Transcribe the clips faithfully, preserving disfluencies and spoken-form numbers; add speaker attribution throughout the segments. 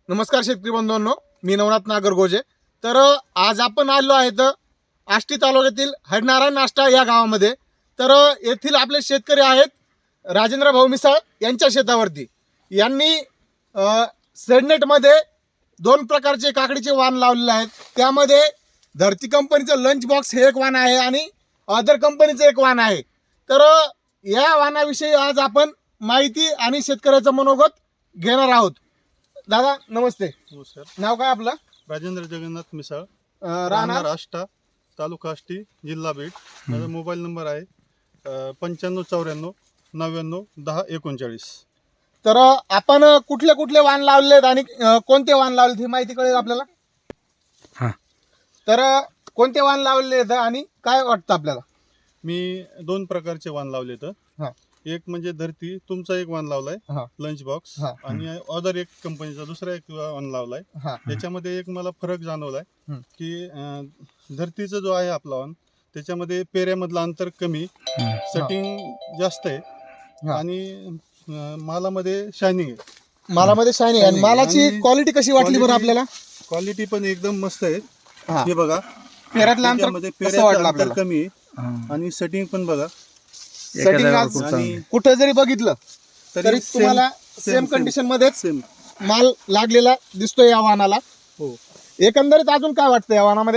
Speaker 1: नमस्कार शेतकरी बंधूंनो, मी नवनाथ नागरगोजे. तर आज आपण आलो आहेत आष्टी तालुक्यातील हडनारायण नाष्टा या गावामध्ये. तर येथील आपले शेतकरी आहेत राजेंद्र भाऊ मिसाळ यांच्या शेतावरती. यांनी सेडनेटमध्ये दोन प्रकारचे काकडीचे वाण लावलेले आहेत. त्यामध्ये धरती कंपनीचं लंच बॉक्स हे एक वाण आहे आणि अदर कंपनीचं एक वाण आहे. तर या वाणाविषयी आज आपण माहिती आणि शेतकऱ्याचं मनोगत घेणार आहोत. दादा नमस्ते.
Speaker 2: नमस्कार.
Speaker 1: नाव काय आपलं?
Speaker 2: राजेंद्र जगन्नाथ मिसाळ,
Speaker 1: राहणार
Speaker 2: राहणार आष्टा, तालुका आष्टी, जिल्हा बीड. माझा मोबाईल नंबर आहे पंच्याण्णव चौऱ्याण्णव नव्याण्णव दहा एकोणचाळीस.
Speaker 1: तर आपण कुठले कुठले वाण लावले आहेत आणि अं, कोणते वाण लावले ही माहिती कळेल आपल्याला.
Speaker 3: हां.
Speaker 1: तर कोणते वाण लावले आहेत आणि काय वाटतं आपल्याला?
Speaker 2: मी दोन प्रकारचे वाण लावले तर
Speaker 1: हां.
Speaker 2: एक म्हणजे धरती तुमचा एक वाण लावलाय
Speaker 1: हां.
Speaker 2: लंच बॉक्स,
Speaker 1: हां.
Speaker 2: आणि अदर एक कंपनीचा दुसरा एक वाण लावलाय.
Speaker 1: हां.
Speaker 2: त्याच्यामध्ये एक मला फरक जाणवलाय
Speaker 1: हं.
Speaker 2: की अं, धरतीचा जो आहे आपला वाण त्याच्यामध्ये पेऱ्यामधलं अंतर कमी, सेटिंग जास्त आहे
Speaker 1: हां.
Speaker 2: आणि अं, मालामध्ये शायनिंग आहे.
Speaker 1: मालामध्ये शायनिंग आणि
Speaker 2: Shining.
Speaker 1: मालाची
Speaker 2: आणि
Speaker 1: क्वालिटी कशी वाटली बरं
Speaker 2: quality-
Speaker 1: आपल्याला?
Speaker 2: क्वालिटी पण एकदम मस्त आहे.
Speaker 1: हां.
Speaker 2: हे बघा,
Speaker 1: पेऱ्यातलं अंतर
Speaker 2: त्याच्यामध्ये
Speaker 1: कसं
Speaker 2: पेऱ्याचं
Speaker 1: वाटलं
Speaker 2: अंतर
Speaker 1: आपल्याला?
Speaker 2: कमी आहे आणि सेटिंग पण बघा.
Speaker 1: सेटिंग आज
Speaker 2: आणि
Speaker 1: कुठं जरी बघितलं तरी
Speaker 2: तरी
Speaker 1: तुम्हाला
Speaker 2: same-
Speaker 1: सेम
Speaker 2: same-
Speaker 1: कंडिशन मध्येच
Speaker 2: सेम.
Speaker 1: माल लागलेला दिसतोय या वाहनाला.
Speaker 2: हो.
Speaker 1: एकंदरीत अजून काय वाटतं या वाहनामध्ये?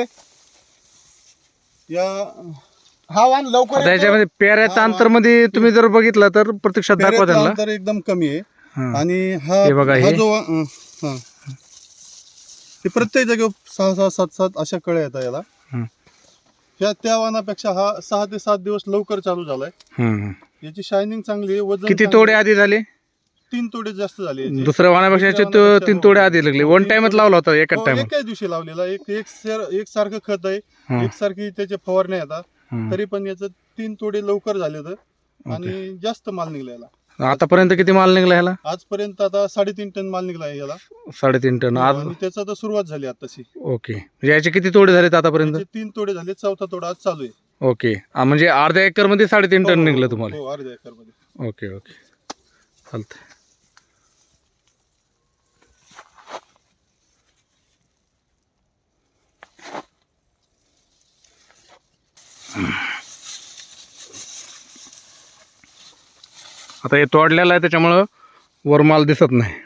Speaker 2: या
Speaker 1: हा वाहन लवकर येतो.
Speaker 3: त्याच्यामध्ये पेऱ्याच्या
Speaker 2: हा,
Speaker 3: अंतर मध्ये तुम्ही जर बघितलं तर प्रत्यक्षात दाखवा
Speaker 2: पेऱ्याचं
Speaker 3: त्यांना.
Speaker 2: अंतर एकदम कमी आहे.
Speaker 3: हां.
Speaker 2: आणि हा
Speaker 3: हे बघा,
Speaker 2: हा
Speaker 3: हे.
Speaker 2: जो अं, हा. हे प्रत्येक जागेवर सहा सहा सात सात अशा कळ्या येतात याला.
Speaker 3: हं.
Speaker 2: ह्या त्या वाहनापेक्षा हा सहा ते सात दिवस लवकर चालू झालाय.
Speaker 3: हम्म.
Speaker 2: याची शायनिंग चांगली आहे, वजन
Speaker 3: किती
Speaker 2: चांगलं
Speaker 3: तोडे
Speaker 2: आहे.
Speaker 3: आधी झाले?
Speaker 2: तीन तोडे जास्त झाले याचे.
Speaker 3: दुसऱ्या वाहनापेक्षा याचे
Speaker 2: दुसऱ्या
Speaker 3: तो-
Speaker 2: वाहनापेक्षा
Speaker 3: तीन
Speaker 2: हो.
Speaker 3: तोडे आधी लागले.
Speaker 2: हो,
Speaker 3: वन
Speaker 2: तीन
Speaker 3: टाइमच
Speaker 2: तोडे.
Speaker 3: लावला होता एकाच
Speaker 2: हो,
Speaker 3: टाइम.
Speaker 2: एकाच दिवशी लावलेला. एक एक सर एक सारखं खत आहे,
Speaker 3: हं.
Speaker 2: एकसारखी त्याचे फवारण्या येतात. तरी पण याचं तीन तोडे लवकर झाले तर आणि जास्त माल निघला याला.
Speaker 3: आतापर्यंत किती माल निघला ह्याला?
Speaker 2: आजपर्यंत आता साडेतीन टन माल निघला आहे याला.
Speaker 3: साडेतीन टन. आज
Speaker 2: आणि त्याचा तर सुरुवात झाली आताशी.
Speaker 3: ओके. म्हणजे याचे किती तोडे झालेत आतापर्यंत?
Speaker 2: त्याचे तीन तोडे झाले, चौथा तोडा आज चालू आहे.
Speaker 3: ओके. आ, म्हणजे अर्ध्या एकर मध्ये साडेतीन
Speaker 2: हो,
Speaker 3: टन
Speaker 2: हो,
Speaker 3: निघलं
Speaker 2: हो,
Speaker 3: तुम्हाला?
Speaker 2: हो, अर्ध्या एकर मध्ये.
Speaker 3: ओके ओके, चालतंय. आता हे तोडलेलं आहे त्याच्यामुळं वर माल दिसत नाही.